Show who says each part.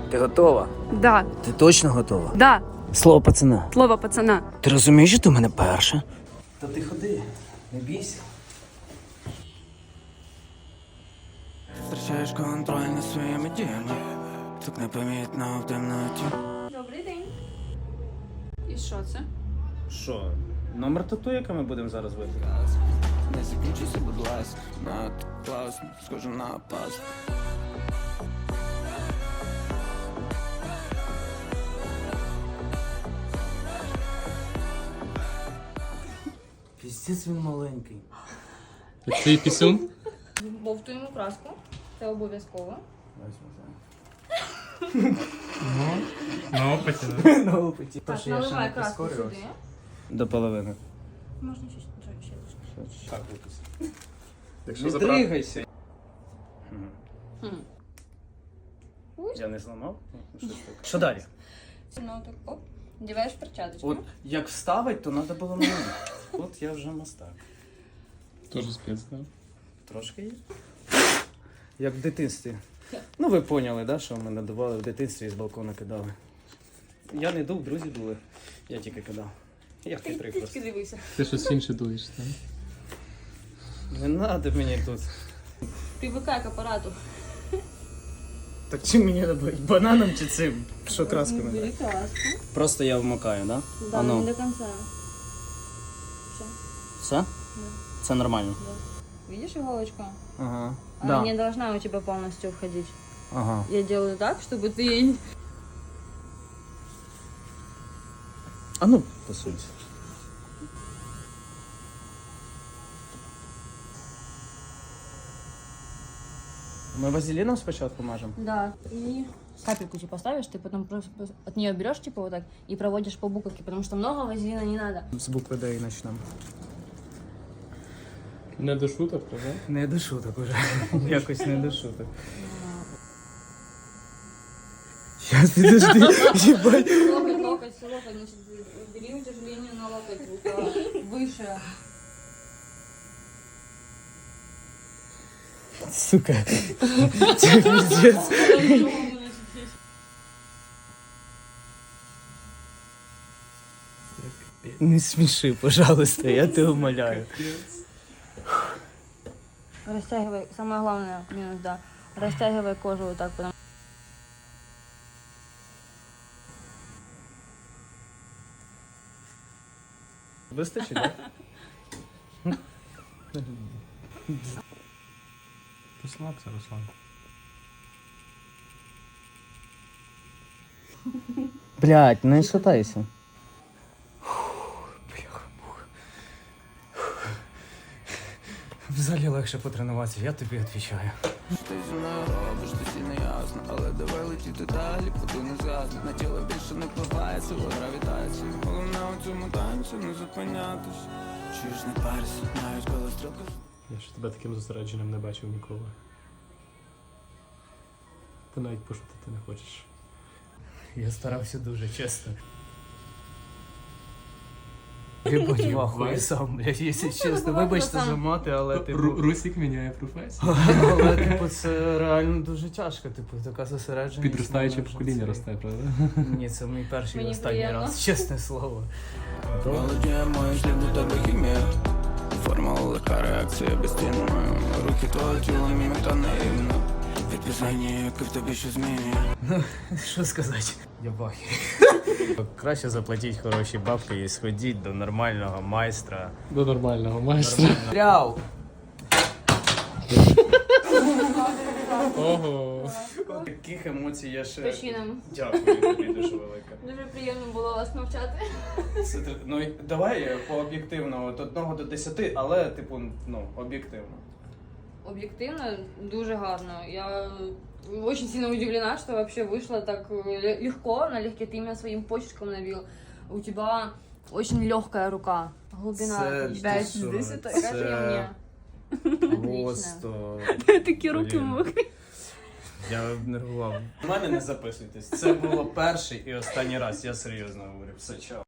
Speaker 1: Ти готова?
Speaker 2: Да.
Speaker 1: Ти точно готова?
Speaker 2: Да.
Speaker 1: Слово пацана.
Speaker 2: Слово пацана.
Speaker 1: Ти розумієш, що ти в мене перша? Та ти ходи, не бійся.
Speaker 3: Втрачаєш контроль над своїми діями, так непомітно в темноті.
Speaker 2: Добрий день. І що це?
Speaker 1: Що? Номер тату, яке ми будемо зараз випити?
Speaker 3: Не закінчуйся, будь ласка, надто класно, схоже на пасту.
Speaker 1: Піздець він маленький.
Speaker 4: Твій пісюн?
Speaker 2: Бовтуємо краску. Це обов'язково.
Speaker 4: На опиті, да?
Speaker 1: На опиті.
Speaker 2: Так, наливай краску сюди.
Speaker 1: До половини.
Speaker 2: Можна ще трішки.
Speaker 1: Так, випусти.
Speaker 4: Якщо
Speaker 1: Не
Speaker 4: забрати...
Speaker 1: дригайся.
Speaker 2: Ой.
Speaker 1: Я не зламав? Щось таке. Що далі?
Speaker 2: Ну так, оп. Діваєш перчаточку.
Speaker 1: От як вставить, то треба було мені. От я вже мастак.
Speaker 4: Тоже спец, да?
Speaker 1: Трошки є. Як в дитинстві. Ну ви поняли, да, що мене давали в дитинстві і з балкона кидали. Я не дув, друзі дули. Я тільки кидав. Я хитрий просто.
Speaker 2: Трішки дивися.
Speaker 4: Ти щось інше дуєш, так?
Speaker 1: Не треба мені тут.
Speaker 2: Привикай к апарату.
Speaker 1: Так чим мені робити? Бананом чи цим? Що краску не
Speaker 2: Бери
Speaker 1: дати?
Speaker 2: краску.
Speaker 1: Просто я вмикаю, да?
Speaker 2: Да,
Speaker 1: Ану.
Speaker 2: не до конца. Все.
Speaker 1: Все? Це нормально?
Speaker 2: Видишь иголочку?
Speaker 1: Ага.
Speaker 2: Она
Speaker 1: Да.
Speaker 2: не должна у тебя полностью входить.
Speaker 1: Ага.
Speaker 2: Я делаю так, чтобы ты...
Speaker 1: А ну, посунься. Ми вазеліном спочатку мажемо?
Speaker 2: Да. И капельку типа ставишь, ты потом просто от нее берешь типа вот так и проводишь по буковке, потому что много вазелина не надо.
Speaker 1: З букви Д і почнемо.
Speaker 4: Не до шуток, правда?
Speaker 1: Не до шуток уже. Якось не до шуток. Сейчас, подожди. Ебать.
Speaker 2: Локоть, значит, бери утяжеление на локоть выше.
Speaker 1: Сука. Це пиздец. Не сміши, пожалуйста, я тебе умоляю.
Speaker 2: Растягивай, самое главное, минус, да. Растягивай кожу вот так, потому
Speaker 1: Вистачить, так?
Speaker 4: Розслабся, Руслан.
Speaker 1: Блядь, не шатайся. В залі легше потренуватися, я тобі відповідаю.
Speaker 3: Ти зі мною робиш, досі не ясно, але давай летіти далі, поки не згасне. На тіло більше не впливає сила гравітації. Головне у цьому танці не зупинятись. Чуєш, не парься, навіть коли стрілка.
Speaker 4: Я ще тебе таким зосередженим не бачив ніколи. Ти навіть пошутити не хочеш.
Speaker 1: Я старався дуже, чесно. Єбать, вахуй сам, блядь, якщо чесно. Вибачте за мати, але типу...
Speaker 4: Русик міняє професію.
Speaker 1: Але, типу, це реально дуже тяжко, типу, така зосередженість.
Speaker 4: Підростаюче
Speaker 1: вона
Speaker 4: покоління
Speaker 1: вже
Speaker 4: росте, правда?
Speaker 1: Ні, це мій перший і
Speaker 2: Мені
Speaker 1: останній
Speaker 2: приємно.
Speaker 1: раз, чесне слово.
Speaker 3: Володіє мої шлях до тебе хімія. Формула легка реакція безцінна. Рухи твого тіла міміка наївна. Відписання, яке в тобі що змінює.
Speaker 1: Що сказати? Єбахи. Краще заплатіть хороші бабки і сходіть до нормального майстра.
Speaker 4: До нормального майстра.
Speaker 1: Тряв!
Speaker 4: Ого.
Speaker 1: Таких емоцій я ще...
Speaker 2: Причинам.
Speaker 1: Дякую тобі дуже велике.
Speaker 2: Дуже приємно було вас навчати.
Speaker 1: Ну, давай по об'єктивно, от 1 до 10, але, типу, ну, об'єктивно.
Speaker 2: Объективно, дуже гарно. Я очень сильно удивлена, что вообще вышло так легко, налегке ты именно своим почерком навил. У тебя очень легкая рука. Глубина
Speaker 1: Це
Speaker 2: 5
Speaker 1: ти що?
Speaker 2: 10.
Speaker 1: Це
Speaker 2: Скажи мне.
Speaker 1: Просто...
Speaker 2: Такі руки
Speaker 1: Блін.
Speaker 2: мокрі.
Speaker 1: Я нервував. У мене не записуйтесь. Це було перший і останній раз, я серйозно говорю. Все, чао.